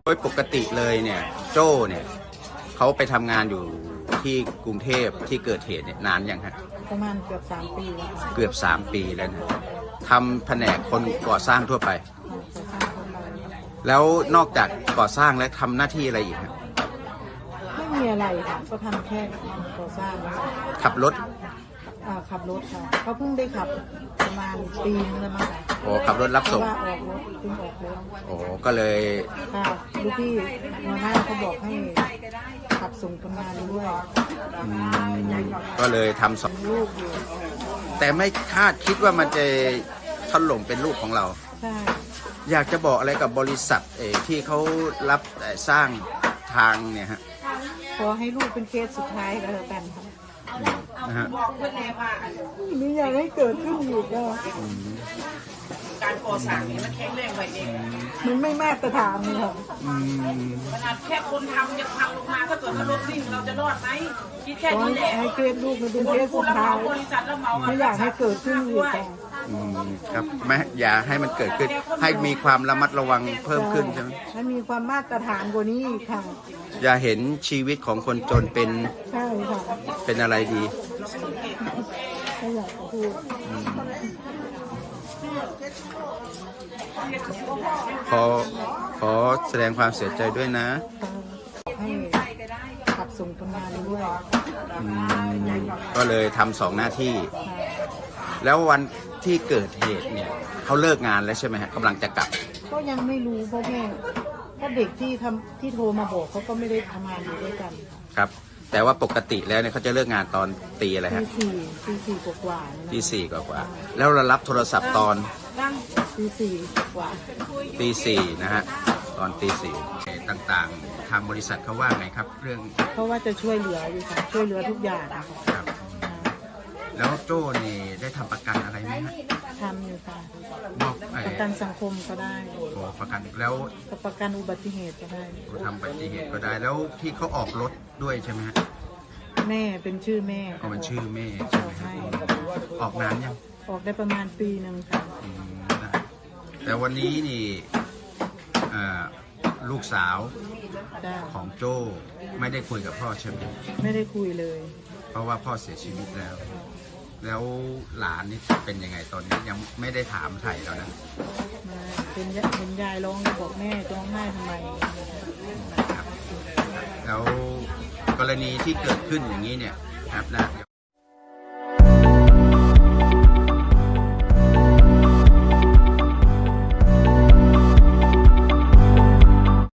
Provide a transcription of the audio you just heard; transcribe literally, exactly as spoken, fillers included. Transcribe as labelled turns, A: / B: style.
A: โดยปกติเลยเนี่ยโจ้เนี่ยเขาไปทำงานอยู่ที่กรุงเทพที่เกิดเหตุเนี่ยนานยังฮะ
B: ประมาณเกือบสามปีแล้วค่ะ
A: เกือบสามปีแล้วนะทำแผนกคนก่อสร้างทั่วไป
B: ก่อสร้างคนเรา
A: แล้วนอกจากก่อสร้างแล้วทำหน้าที่อะไรอีกฮะ
B: ไม่มีอะไรค่ะก็ทำแค่ก่อสร้างแล้ว
A: ขับรถ
B: อ่าขับรถค่ะเขาเพิ่งได้ขับประมาณปีนึงแล้วมั้งค่ะ
A: โอ้ขับรถรับ
B: เพ
A: ส่
B: ราะ
A: ง
B: ว่าออกรถเพิ่งออกรถ
A: โอ้ก็เลย
B: ค่ะลูกพี่หัวหน้าเขาบอกให้ขับส่งคนงานด้วย
A: อืมก็เลยทำสอง
B: ลูกอยู่
A: แต่ไม่คาดคิดว่ามันจะถล่มเป็นลูกของเรา
B: ใช่
A: อยากจะบอกอะไรกับบริษัทเออที่เขารับเอ่อสร้างทางเนี่ยฮะ
B: ขอให้ลูกเป็นเคสสุดท้ายก็แล้วกันค่ะ
A: นะฮะ
B: ไม่อยากให้เกิดขึ้นอีกแล้ว
C: การก่อสร้างเนี่ยมันแข็งแรงไปเอง
B: มันไม่มาตรฐานเลยค่ะ
A: อืม
C: ขนาดแค่คนทำยังพังลงมาถ้าเกิดว่ารถวิ่งเราจะรอดไหมคิดแค่
B: ขอ
C: นี้แหละ
B: ให้เคสลูกมันเป็น
C: คน
B: เคส
C: พู
B: สุ
C: ด
B: ด
C: แล้ว
B: ท้า
C: เมาย บริษัทแล้วเมา
B: ไม่อยากให้เกิดขึ้นอีกค่ะ
A: อืมครับไม่อย่าให้มันเกิดขึ้น ให้มีความระมัดระวังเพิ่มขึ้นใช่ไหม
B: ให้มีความมาตรฐานกว่านี้อีกค่ะ
A: อย่าเห็นชีวิตของคนจนเป็น
B: ใช่ค่ะ
A: เป็นอะไรดี
B: ไม่อยากจะพูด
A: ขอขอแสดงความเสียใจด้วยนะ
B: ให้ขับส่งคนงานด้วย
A: อืมก็เลยทำสองหน้าที่ แล้ววันที่เกิดเหตุเนี่ยเขาเลิกงานแล้วใช่ไหมฮะกำลังจะกลับ
B: ก็ยังไม่รู้เพราะแม่เพราะเด็กที่ทำที่โทรมาบอกเขาก็ไม่ได้ทำงานอยู่ด้วยกันค่ะ
A: ครับ แต่ว่าปกติแล้วเนี่ยเขาจะเลิกงานตอนตีอะไร
B: ตี
A: ฮะ
B: สี่ตีสี่กว่าๆนะ
A: ตีสี่กว่าๆแล้วเรารับโทรศัพท์ตอน
B: ตีสี่กว่า
A: ตีสี่นะฮะตอนตีสี่ต่างๆ ทางบริษัทเขาว่าไงครับ เรื่อง
B: เพราะว่าจะช่วยเหลืออยู่ค่ะช่วยเหลือทุกอย่างนะคะ
A: ครับ แล้วโจ้นี่ได้ทำประกันอะไรไหมฮะ
B: ทำอยู่ค่ะ
A: มอบไอ้
B: ประกันสังคมก็ได้
A: โอ้ประกันแล้ว
B: ประกันอุบัติเหตุก็ได้
A: ทำอุบัติเหตุก็ได้แล้วที่เขาออกรถด้วยใช่ไหมฮะ
B: แม่เป็นชื่อแม่
A: ก็มันชื่อแม่ใช่ไหมฮะออกนานยัง
B: ออกได้ประมาณปีหนึ่งค่ะ
A: อืมได้แต่วันนี้นี่อ่าลูกสาว
B: ได้
A: ของโจ้ไม่ได้คุยกับพ่อใช่ไหม
B: ไม่ได้คุยเลย
A: เพราะว่าพ่อเสียชีวิตแล้ว แล้วหลานนี่เป็นยังไงตอนนี้ยังไม่ได้ถามไถ่แล้วนะ
B: มาเป็นยเห็นยายร้องก็บอกแม่จะร้องไห้ทำไม
A: ครับแล้วกรณีที่เกิดขึ้นอย่างนี้เนี่ยครับนะ